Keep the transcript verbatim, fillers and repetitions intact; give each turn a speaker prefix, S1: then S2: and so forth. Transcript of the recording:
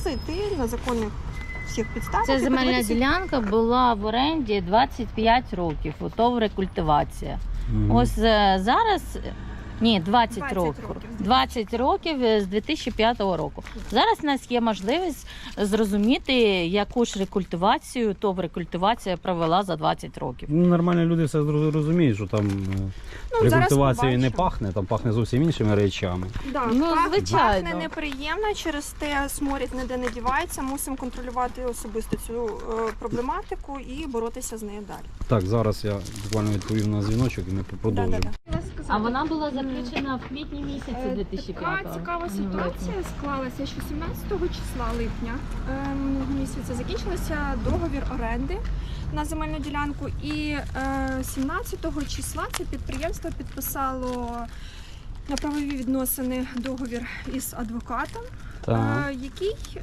S1: оголосити на законних всіх підставах.
S2: Ця
S1: і
S2: земельна
S1: подивитися.
S2: ділянка була в оренді двадцять п'ять років, ото рекультивація.
S3: Мгм.
S2: Ось е, зараз, ні, двадцять
S1: двадцять
S2: років.
S1: років.
S2: двадцять років з дві тисячі п'ятого року. Зараз у нас є можливість зрозуміти, яку ж рекультивацію, ТОВ рекультивація провела за двадцять років.
S3: Ну, нормальні люди все зро- розуміють, що там е,
S1: Ну, зараз
S3: рекультивацією не
S1: побачимо.
S3: пахне, там пахне зовсім іншими речами.
S1: Да,
S2: Ну,
S1: пах-
S2: звичайно.
S1: Пахне неприємно, через те сморід ніде не дівається. Мусимо контролювати особисто цю е, проблематику і боротися з нею далі.
S3: Так, зараз я буквально відповім на дзвіночок і ми продовжимо.
S1: Да-да-да.
S2: А вона була заключена в квітні місяці дві тисячі п'ятого.
S4: Така цікава ситуація склалася, що сімнадцятого числа липня е, минулого місяця закінчився договір оренди
S1: На земельну ділянку, і е, сімнадцятого числа це підприємство підписало на правові відносини договір із адвокатом,
S3: Так.
S1: е, який